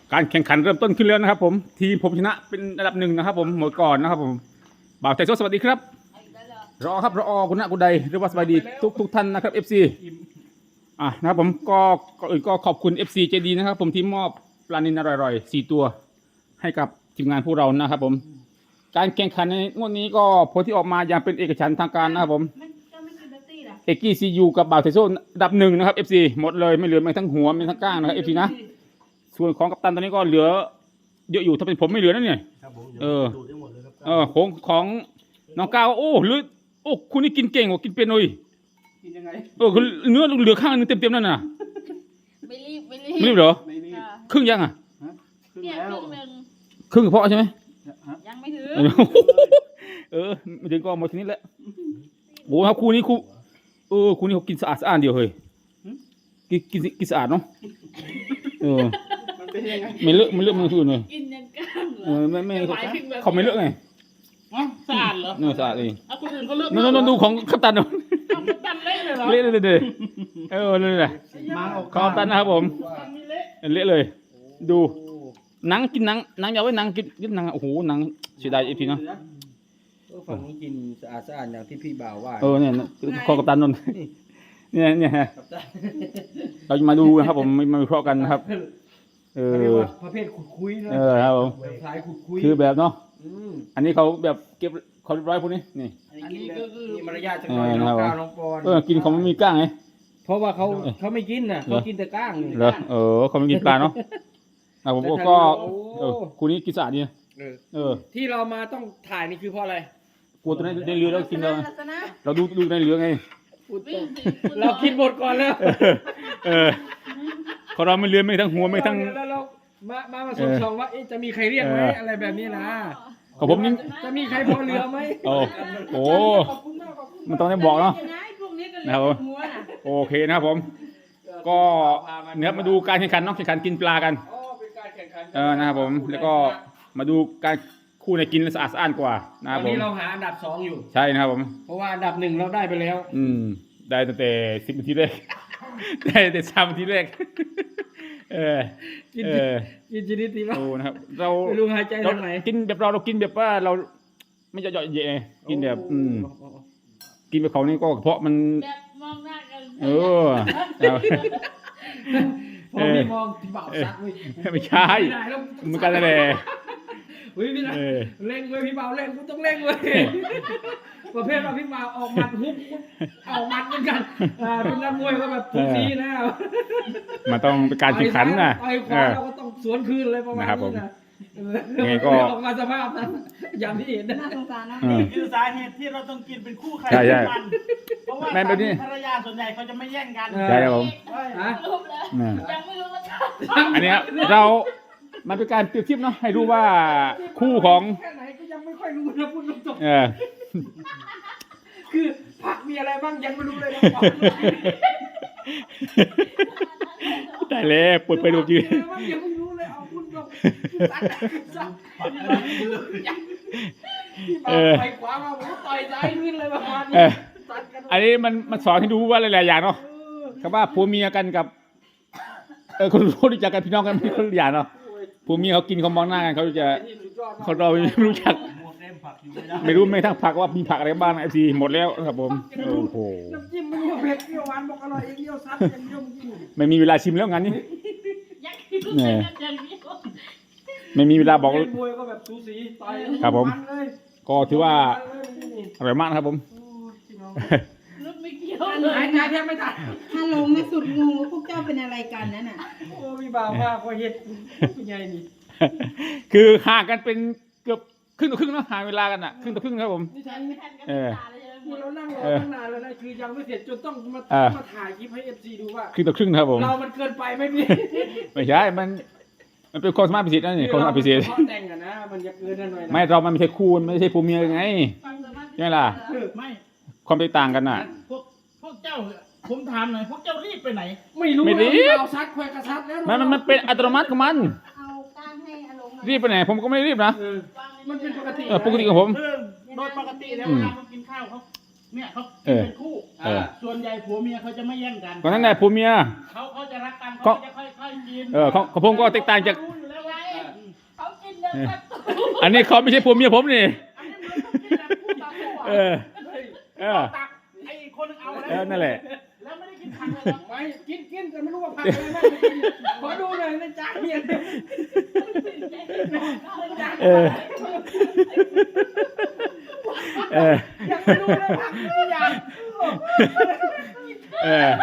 การแข่งขันเริ่มต้นขึ้นแล้วนะครับผมทีมผมชนะเป็นอันดับหนึ่งนะครับผมหมดก่อนนะครับผมบ่าวไทยสวัสดีครับรอครับรอคุณณกุณใดหรือว่าสบายดีทุกท่านนะครับ FC นะครับผมก็ขอบคุณ FC ใจดีนะครับผมที่มอบปลานิลอร่อยๆ4ตัวให้กับทีมงานพวกเรานะครับผมการแข่งขันในงวดนี้ก็ผลที่ออกมาอย่างเป็นเอกฉันท์ทางการนะครับผมเอกกี้ซียูกับบ่าวไทยโซอันดับหนึ่งนะครับ FC หมดเลยไม่เหลือแม้ทั้งหัวไม่ทั้งก้างนะครับ FC นะส่วนของกัปตันตอนนี้ก็เหลือเยอะอยู่ถ้าเป็นผมไม่เหลือนั่นเนี่ยของน้องก้าวโอ้เหลือโอ้คุณนี่กินเก่งกว่ากินเป็นเลยกินยังไงคือเนื้อเหลือข้างนึงเต็มนั่นน่ะไม่รีบเหรอครึ่งยังเนี่ยครึ่งหนึ่งครึ่งเพาะใช่ไหมยังไม่ถึงไม่ถึงก็หมดทีนี้แหละโอ้ครับคู่นี้คู่นี้เขากินสะอาดเดียวเฮ้ยกินสะอาดเนาะมันเป็นยังไงไม่เลอะมือถือเลยกินยังก้างเหรอไม่เขาไม่เลอะไงสะอาดเหรอสะอาดเองคนอื่นเขาเลอะนดูของกัปตันเนาะกัปตันเละเลยเหรอเละเลยเลยแหละกัปตันนะครับผมเละเลยดูหนังกินหนังอย่าไว้หนังกินหนังโอ้โหหนังเสียดายไอ้พี่เนาะฝั่งนี้กินสะอาดอย่างที่พี่บ่าวว่าเนี่ยขอกัปตันนนเนี่ยเราจะมาดูนะครับผมมาวิเคราะห์กันนะครับประเภทขุดคุยนะครับผมสายขุดคุยคือแบบเนาะอันนี้เขาแบบเก็บเขาเรียบร้อยพวกนี้นี่อันนี้ก็คือมีมารยาทจังเลยน้องก้าวน้องปอนกินเขาไม่มีก้างไงเพราะว่าเขาไม่กินนะเขากินแต่ก้างเหรอเขาไม่กินปลาเนาะผมก็คู่นี้กินสะอาดดีที่เรามาต้องถ่ายนี่คือเพราะอะไรกลัวตัวนี้ในเรือเรากินเราดูในเรือไงเราคิดหมดก่อนแล้วเขาเราไม่เรือไม่ทั้งหัวไม่ทั้งแล้วเรามาชมว่าจะมีใครเรียกไหมอะไรแบบนี้นะของผมนี่จะมีใครพอเรือไหมโอ้มันต้องได้บอกเนาะนะครับผมโอเคนะครับผมก็เนี่ยมาดูการแข่งขันเนาะแข่งขันกินปลากันนะครับผมแล้วก็มาดูการคู่ในกินสะอาดกว่านะครับผมตอนนี้เราหาอันดับ2อยู่ใช่นะครับผมเพราะว่าอันดับ1เราได้ไปแล้วได้ตั้งแต่10 นาทีแรกได้แต่3 นาทีแรกกินชนิดที่ว่านะครับเราไม่รู้หายใจทางไหนกินแบบเรากินแบบว่าเราไม่จะเยาะเยะกินแบบกินแบบเขานี่ก็เพราะมันแบบมองหน้ากันพอพี่มองพี่บ่าวซักเว้ยไม่ใช่เหมือนกันเลยเฮ้ยพี่นะเร่งเว้ยพี่บ่าวเร่งกูต้องเร่งเว้ยประเภทว่าพี่บ่าวออกหมัดฮุบออกหมัดเหมือนกันเป็นนักมวยก็แบบทุกทีนะมันต้องเป็นการแข่งขันนะไอ้ขวาเราก็ต้องสวนคืนเลยประมาณนี้นะไงก็ออกมาสภาพนั้นอย่างที่เห็นน่าสงสารนะนี่คือสาเหตุที่เราต้องกินเป็นคู่ใครกันเพราะว่าภรรยาส่วนใหญ่เขาจะไม่แย่งกันใช่ครับผมยังไม่รู้ว่าอันนี้เรามันเป็นการเปรียบเทียบเนาะให้รู้ว่าคู่ของแค่ไหนก็ยังไม่ค่อยรู้นะพูดตรงๆคือผักมีอะไรบ้างยังไม่รู้เลยนะได้เลยปวดไปดูจียังไม่รู้เลยเอาพูดตรงไปขวามาผมต่อยซ้ายขึ้นเลยประมาณนี้อันนี้มันสอนให้ดูว่าหลายๆอย่างเนาะคำว่าผัวเมียกันกับคนรู้จักกันพี่น้องกันไม่คนละอย่างเนาะผัวเมียเขากินเขามองหน้ากันเขาจะเขาเราไม่รู้จักไม่รู้ไม่ทั้งผักว่ามีผักอะไรบ้างไอซีหมดแล้วครับผมโอ้โหน้ำจิ้มมันเผ็ดเปรี้ยวหวานบอกอร่อยเยี่ยวซัดอย่างเดียวจริงไม่มีเวลาชิมแล้วงั้นนี่ไม่มีเวลาบอกมวยก็แบบสูสีไปครับผมก็ถือว่าอร่อยมากครับผมหายใจแทบไม่ทันถ้าลงในสุดงงว่าพวกเจ้าเป็นอะไรกันนั่นน่ะโอ้มีบ่าวมากพอเฮ็ดเป็นไงนี่คือห่างกันเป็นเกือบครึ่งต่อครึ่งเนาะห่างเวลากันอ่ะครึ่งต่อครึ่งครับผมเรานั่งรอตั้งนานแล้วนะคือยังไม่เสร็จจนต้องมาถ่ายคลิปให้ FC ดูว่าครึ่งต่อครึ่งครับผมเรามันเกินไปไหมพี่ไม่ใช่มันเป็นความสามารถพิเศษนั่นนี่ความสามารถพิเศษแต่งอะนะมันจะเกินหน่อยไม่เรามันไม่ใช่คู่ไม่ใช่ผัวเมียไงใช่ไหมล่ะไม่ความแตกต่างกันน่ะพวกเจ้าผมถามหน่อยพวกเจ้ารีบไปไหนไม่รู้เราซัดแควกระซัดแล้วมันเป็นอัตโนมัติของมันรีบไปไหนผมก็ไม่รีบนะมันเป็นปกติปกติของผมโดยปกติแล้วเวลาเขากินข้าวเนี่ยเขาเป็นคู่ส่วนใหญ่ผัวเมียเขาจะไม่แย่งกันก็นั่นแหละผัวเมียเขาจะรักกันเขาจะค่อยๆกินของผมก็แตกต่างจากอันนี้เขาไม่ใช่ผัวเมียผมนี่อันนี้มันต้องกินแบบคู่ต่อสู้เออ่ะอ เออตักไอ้คนหนึงเอาเออนั่นแหละแล้วไม่ได้กินผักเลยนะไม่กินแต่ไม่รู้ว่าผักอะไรบ้างขอดูหน่อยในจานเนี่ยเออ เอออยากไปดูเลยผักไม่อยากเออ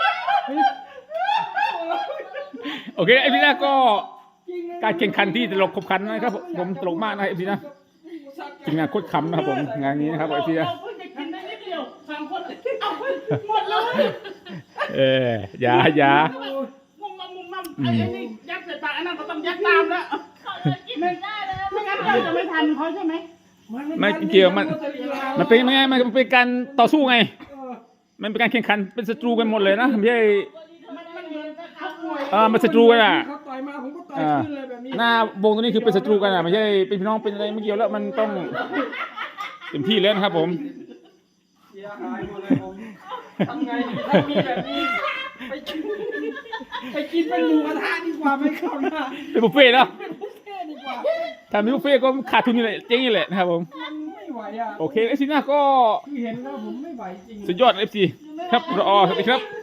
โอเคไอ้พี่นะก็การแข่งขันที่ตลกขบขันนะครับผมตลกมากนะไอ้พี่นะทีมงานโคตรขำนะครับผมงานนี้นะครับไอ้พี่นะเราเพิ่งจะกินได้นิดเดียวสามคนเอาไปหมดเลยเอออย่ามุมมัมไอ้นี่ยัดใส่ปากไอ้นั่นก็ต้องยัดตามแล้วเขาเลยกินไม่ได้เลยไม่งั้นเราจะไม่ทันเขาใช่ไหมไม่เกี่ยวมันเป็นไงมันเป็นการต่อสู้ไง มันเป็นการแข่งขันเป็นศัตรูกันหมดเลยนะไม่ใช่มันเหมือนเขามวยมันศัตรูกันอ่ะเขาต่อยมาผมก็ต่อยขึ้นเลยแบบนี้หน้าวงตัวนี้คือเป็นศัตรูกันอ่ะไม่ใช่เป็นพี่น้องเป็นอะไรไม่เกี่ยวแล้วมันต้องเต็มที่แล้วนะครับผมเสียหายหมดเลยผมทำไงดีถ้ามีแบบนี้ไปกินเป็นหมูกระทะดีกว่าไม่เข้าหน้าเป็นบุฟเฟ่ต์เนาะเป็นบุฟเฟ่ต์ดีกว่าถ้ามีบุฟเฟ่ต์ก็ขาดทุนนี่แหละเจ๊งนี่แหละนะครับผมมันไม่ไหวอ่ะโอเคเอฟซีน่าก็คือเห็นแล้วผมไม่ไหวจริงสุดยอดเอฟซีครับรอสวัสดีครับ